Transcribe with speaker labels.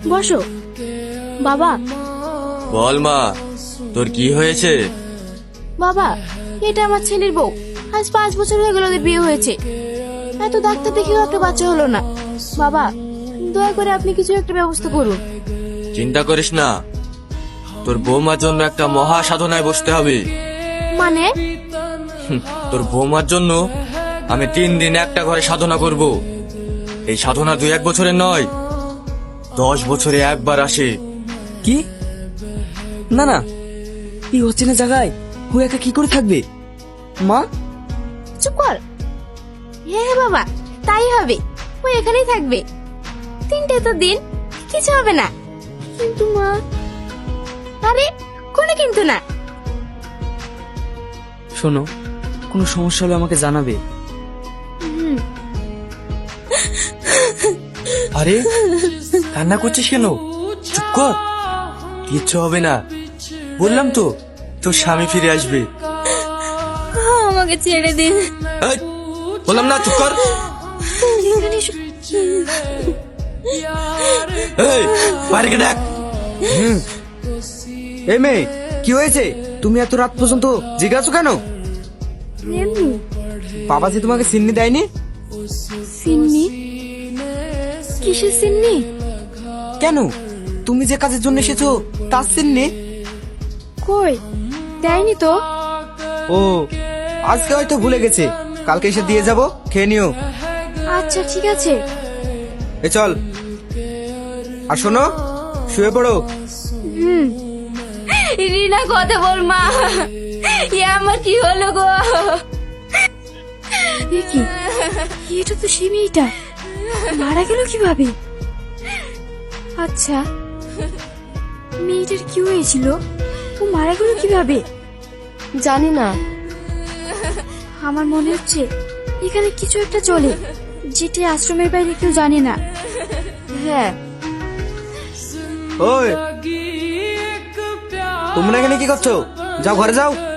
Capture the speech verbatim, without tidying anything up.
Speaker 1: বসো। বাবা।
Speaker 2: বল মা, তোর কি হয়েছে?
Speaker 1: বাবা, এটা আমার ছেলের বউ। আজ পাঁচ বছর হয়ে গেল ওদের বিয়ে হয়েছে। এত ডাক্তার দেখেও একটা বাচ্চা হলো না। বাবা, দয়া করে আপনি কিছু একটা ব্যবস্থা করুন।
Speaker 2: চিন্তা করিস না, তোর বৌমার জন্য একটা মহা সাধনায় বসতে হবে।
Speaker 1: মানে?
Speaker 2: হুম, তোর বৌমার জন্য আমি তিন দিন একটা ঘরে সাধনা করব। এই সাধনা দুই এক বছরের নয়, দশ বছরে একবার আসে।
Speaker 3: কি? না না, এই অচেনা জায়গায় ও একা কি করে থাকবে? মা,
Speaker 1: চুপ কর। হ্যাঁ হ্যাঁ বাবা, তাই হবে। ও এখানেই থাকবে তিনটে তো দিন, কিছু হবে না। কিন্তু মা। আরে কোনো কিন্তু না।
Speaker 3: শোনো, কোনো সমস্যা হলে আমাকে জানাবে।
Speaker 1: হুম।
Speaker 2: আরে কান্না করছিস কেন? চুপ কর, কিচ্ছু হবে না। বললাম তো তোর স্বামী ফিরে আসবে।
Speaker 1: আমাকে ছেড়ে দিন।
Speaker 2: এই, বললাম না চুপ কর।
Speaker 1: এখানে এসো।
Speaker 2: এই, বাইরে ডাক।
Speaker 3: এই মেয়ে, কি হয়েছে? তুমি এত রাত পর্যন্ত জেগে আছো কেন?
Speaker 1: এমনি।
Speaker 3: বাবা যে তোমাকে সিন্নি দেয়নি?
Speaker 1: সিন্নি? কিসের সিন্নি?
Speaker 3: কেন, তুমি যে কাজের জন্য এসেছো তার সিন্নি?
Speaker 1: কই, দেয়নি তো।
Speaker 3: ও, আজকে হয়তো ভুলে গেছে, কালকে এসে দিয়ে যাবো, খেয়ে নিও।
Speaker 1: আচ্ছা ঠিক আছে।
Speaker 3: এ চল। আর শোনো, শুয়ে পড়ো।
Speaker 1: হুম। রিনা কথা বল মা। এ আমার কি হলো গো? কি, এটা তো সেই মেয়েটা। মারা গেল কিভাবে? আচ্ছা, মেয়েটার কি হয়েছিল? ও মারা গেল কিভাবে? জানি না। আমার মনে হচ্ছে এখানে কিছু একটা চলে, যেটি আশ্রমের বাইরে কেউ জানে না। হ্যাঁ।
Speaker 3: ওই, তোমরা এখানে কি করছো? যাও ঘরে যাও।